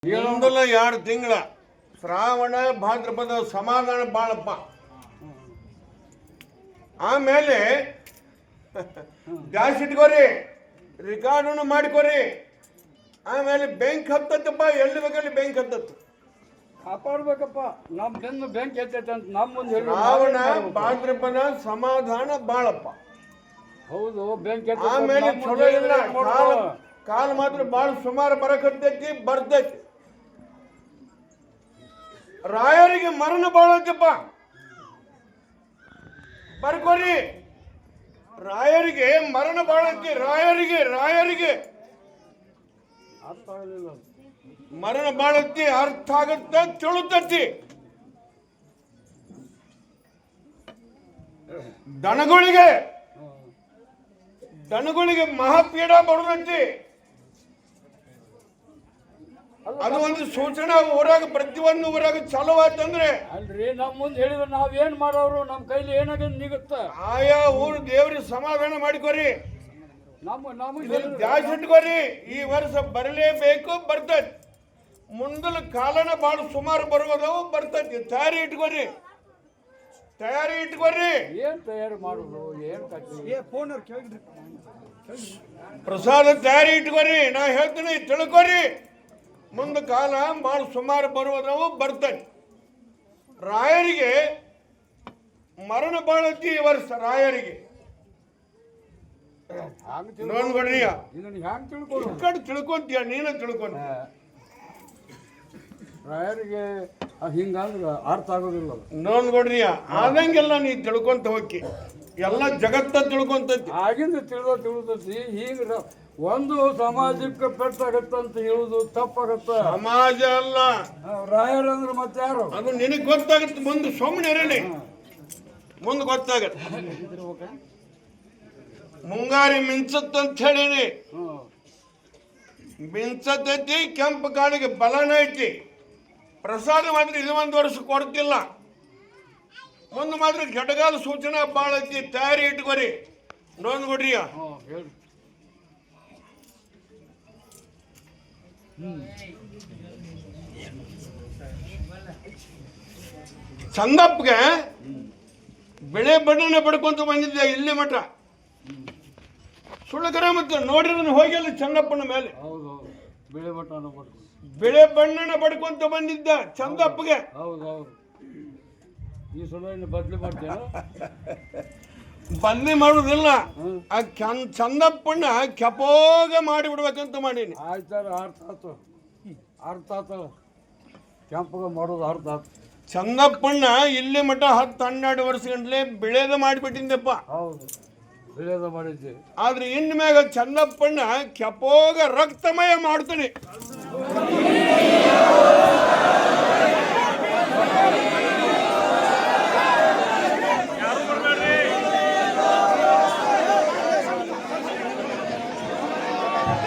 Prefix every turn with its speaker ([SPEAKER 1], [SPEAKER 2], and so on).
[SPEAKER 1] ಇನ್ನೊಂದಲ್ಲ 2 ತಿಂಗಳ ಶ್ರಾವಣ ಭಾದ್ರಪದ ಸಮಾಧಾನ ಬಾಳಪ್ಪ. ಆಮೇಲೆ ಗ್ಯಾಸ್ ಇಟ್ಕೋರಿ, ರೆಕಾರ್ಡನ್ನು ಮಾಡ್ಕೋರಿ. ಆಮೇಲೆ ಬೆಂಕಿ ಹತ್ತತ್ತಪ್ಪ, ಎಲ್ಲಿ ಬೇಕಲ್ಲಿ ಬೆಂಕಿ ಹತ್ತತ್ತು.
[SPEAKER 2] ಕಾಪಾಡ್ಬೇಕಪ್ಪ, ನಮ್ಮ ಬೆನ್ನು ಬೆಂಕಿ ಹತ್ತೈತೆ ಅಂತ ನಮ್ಮ ಮುಂದೆ ಹೇಳಿ.
[SPEAKER 1] ಶ್ರಾವಣ ಭಾದ್ರಪದ ಸಮಾಧಾನ ಬಾಳಪ್ಪ.
[SPEAKER 2] ಹೌದು, ಬೆಂಕಿ
[SPEAKER 1] ಆಮೇಲೆ ಚಲೋ ಇಲ್ಲ, ಕಾಲ ಮಾತ್ರ ಬಾಳ ಸುಮಾರು ಬರಕತ್ತೈತಿ, ಬರ್ತೈತಿ. ರಾಯರಿಗೆ ಮರಣ ಬಾಳತ್ತಪ್ಪ, ಬರ್ಕೋರಿ. ರಾಯರಿಗೆ ಮರಣ ಬಾಳತ್ತಿ, ರಾಯರಿಗೆ
[SPEAKER 2] ಅರ್ಥ ಆಗಲಿಲ್ಲ.
[SPEAKER 1] ಮರಣ ಬಾಳತ್ತಿ, ಅರ್ಥ ಆಗತ್ತ, ತಿಳುತ್ತತಿ. ದನಗಳಿಗೆ ಮಹಾಪೀಡ ಬರುದತ್ತಿ. ಅದು ಒಂದು ಸೂಚನಾ ಊರಾಗ, ಪ್ರತಿಯೊಂದು ಊರಾಗ ಚಾಲು ಆತಂದ್ರೆ
[SPEAKER 2] ಅಲ್ರಿ, ನಮ್ಮ ಮುಂದೆ ಹೇಳಿದ್ರೆ ನಾವೇನ್ ಮಾಡೋರು, ನಮ್ಮ ಕೈಲಿ ಏನಾಗದ್ ನಿಗುತ್ತ.
[SPEAKER 1] ಆಯಾ ಊರು ದೇವ್ರಿಗೆ ಸಮಾಧಾನ ಮಾಡಿಕೋರಿ,
[SPEAKER 2] ನಮಗೆ
[SPEAKER 1] ದ್ಯಾಸ್ ಇಟ್ಕೋರಿ. ಈ ವರ್ಷ ಬರಲೇಬೇಕು, ಬರ್ತೈತಿ. ಮುಂದಲ ಕಾಲನ ಬಾಳ ಸುಮಾರು ಬರುವುದವು, ಬರ್ತೈತಿ. ತಯಾರಿ ಇಟ್ಕೋರಿ.
[SPEAKER 2] ಏನ್ ತಯಾರಿ ಮಾಡುದು, ಏನ್
[SPEAKER 1] ಪ್ರಸಾದ ತಯಾರಿ ಇಟ್ಕೋರಿ. ನಾ ಹೇಳ್ತೀನಿ, ತಿಳ್ಕೊರಿ. ಮುಂದ ಕಾಲ ಬಾಳ ಸುಮಾರು ಬರುವುದವು, ಬರ್ತೈತಿ. ರಾಯರಿಗೆ ಮರಣ ಬಾಳತಿ ಈ ವರ್ಷ. ರಾಯರಿಗೆ ನೋಡ್ಕೊಡ್ರಿ, ತಿಳ್ಕೊಂತೀಯ, ನೀನ ತಿಳ್ಕೊಂತ.
[SPEAKER 2] ರಾಯರಿಗೆ ಹಿಂಗಂದ್ರ ಅರ್ಥ ಆಗೋದಿಲ್ಲ.
[SPEAKER 1] ನೋಡ್ಕೊಡ್ರಿ, ಆದಂಗೆಲ್ಲ ನೀ ತಿಳ್ಕೊಂತ ಹೋಗಿ, ಎಲ್ಲ ಜಗತ್ತ ತಿಳ್ಕೊಂತೈತಿ.
[SPEAKER 2] ಆಗಿಂದ ತಿಳಿದೈತಿ. ಈಗ ಒಂದು ಸಮಾಜಕ್ಕೆ ಪೆಟ್ಟಾಗತ್ತಂತ ಹೇಳುದು ತಪ್ಪಾಗತ್ತ.
[SPEAKER 1] ಸಮಾಜ ಅಲ್ಲ,
[SPEAKER 2] ರಾಯರಂದ್ರೆ ಮತ್ತೆ ಯಾರು?
[SPEAKER 1] ಅದು ನಿನಗೆ ಗೊತ್ತಾಗತ್ತೆ. ಮುಂದೆ ಸುಮ್ಮನೆ ಇರಲಿ, ಮುಂದೆ ಗೊತ್ತಾಗತ್ತೆ. ಮುಂಗಾರಿ ಮಿಂಚತ್ತಂತ ಹೇಳಿನಿ, ಮಿಂಚತೈತಿ. ಕೆಂಪು ಕಾಳಿಗೆ ಬಲನ ಐತಿ. ಪ್ರಸಾದ ಮಾತ್ರ ಇದು 1 ವರ್ಷ ಕೊಡ್ತಿಲ್ಲ. ಮುಂದೆ ಮಾತ್ರ ಘಟಗಾಲ ಸೂಚನಾ ಬಾಳ ಐತಿ. ತಯಾರಿ ಇಟ್ಕೋರಿ. ನೋಡ್ಕೊಡ್ರಿ. ಚಂದಪ್ಪಗೆ ಬೆಳೆ ಬಣ್ಣನ ಪಡ್ಕೊಂತ ಬಂದಿದ್ದೆ ಇಲ್ಲಿ ಮಠ. ಸುಳ್ಳಕರ ಮತ್ತೆ ನೋಡಿದ್ರೆ ಹೋಗಿಲ್ಲ ಚಂದಪ್ಪನ ಮೇಲೆ. ಬೆಳೆ ಬಣ್ಣನ ಪಡ್ಕೊಂತ ಬಂದಿದ್ದ ಚಂದಪ್ಪಗೆ.
[SPEAKER 2] ಈ ಸಲ ಬದ್ಲಿ ಮಾಡ್ತೇನೆ,
[SPEAKER 1] ಬದ್ಲಿ ಮಾಡುದಿಲ್ಲ. ಆ ಚಂದಪ್ಪಣ್ಣ ಕೆಪೋಗ ಮಾಡಿಬಿಡ್ಬೇಕಂತ ಮಾಡೀನಿ.
[SPEAKER 2] ಆಯ್ತಾರ, ಅರ್ಥ ಆತ. ಕೆಂಪಗ ಮಾಡೋದು ಅರ್ಥ ಆತ.
[SPEAKER 1] ಚಂದಪ್ಪಣ್ಣ ಇಲ್ಲಿ ಮಠ 10-12 ವರ್ಷ ಗಂಟ್ಲೆ ಬೆಳೆದ ಮಾಡಿಬಿಟ್ಟಿದ್ದಪ್ಪ.
[SPEAKER 2] ಹೌದು, ಬೆಳೆದ ಮಾಡಿದ್ದೆ.
[SPEAKER 1] ಆದ್ರೆ ಇನ್ ಮ್ಯಾಗ ಚಂದಪ್ಪಣ್ಣ ಕೆಪೋಗ ರಕ್ತಮಯ ಮಾಡ್ತಾನೆ.